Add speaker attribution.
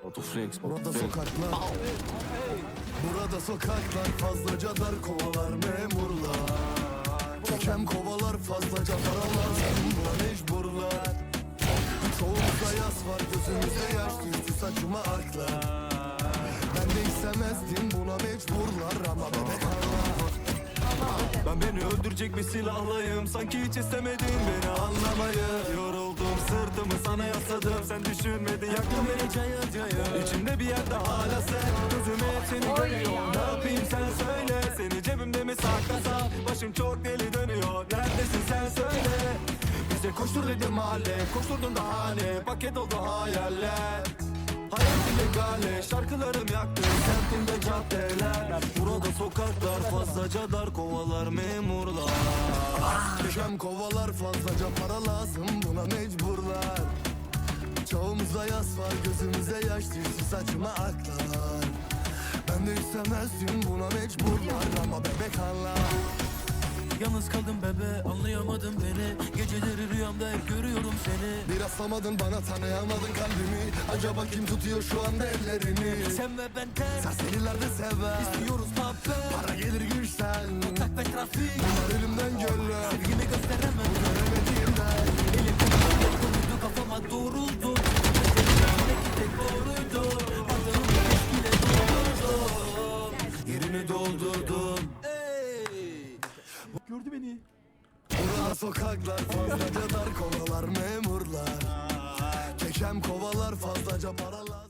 Speaker 1: Autoflex.
Speaker 2: Burada sokaklar, burada sokaklar fazlaca dar, kovalar memurlar. Kekem kovalar fazlaca paralar, buna mecburlar. Çoğumuzda yas var, gözümüzde yaş düştü, saçıma aklar. Ben de istemezdim, buna mecburlar ama bebek Allah.
Speaker 1: Ben beni öldürecek bir silahlayım, sanki hiç istemedin beni anlamayı. Yoruldum, sırtımı sana yasladım, sen düşünmedin, yaktın beni cayır cayır. İçimde bir yerde hala sen, gözüme hep seni görüyor. Ne yapayım sen söyle, seni cebimde mi saklasam? Başım çok deli dönüyor, neredesin sen söyle. Bize koştur dedim mahalle, koşturdun da hane, paket oldu hayaller. Hayat illegale, şarkılarım yaktı semtimde caddeler. Burada sokaklar fazlaca dar, kovalar memurlar.
Speaker 2: Kekem kovalar fazlaca para lazım, buna mecburlar. Çoğumuzda yas var, gözümüze yaş düştü, saçıma aklar. Ben de istemezdim, buna mecburlar ama bebek Allah.
Speaker 3: Yalnız kaldım bebe, anlayamadın beni. Geceleri rüyamda hep görüyorum seni.
Speaker 2: Bir rastlamadın bana, tanıyamadın kalbimi. Acaba kim tutuyor şu anda ellerini?
Speaker 3: Sen ve ben tek
Speaker 2: Serseriler de sever,
Speaker 3: istiyoruz muhabbet.
Speaker 2: para gelir güçten.
Speaker 3: Tak ve trafik,
Speaker 2: Bunlar elimden göller,
Speaker 3: sevgimi gösteremem.
Speaker 2: göremediğimden.
Speaker 3: Elim koydu kafama doğruldu. Belki tek doğruydu. Adamı eskiyle doldurdum.
Speaker 1: Yerini doldurdum.
Speaker 3: Gördü beni.
Speaker 2: Burada sokaklar fazlaca dar, kovalar memurlar. Kekem kovalar fazlaca paralar.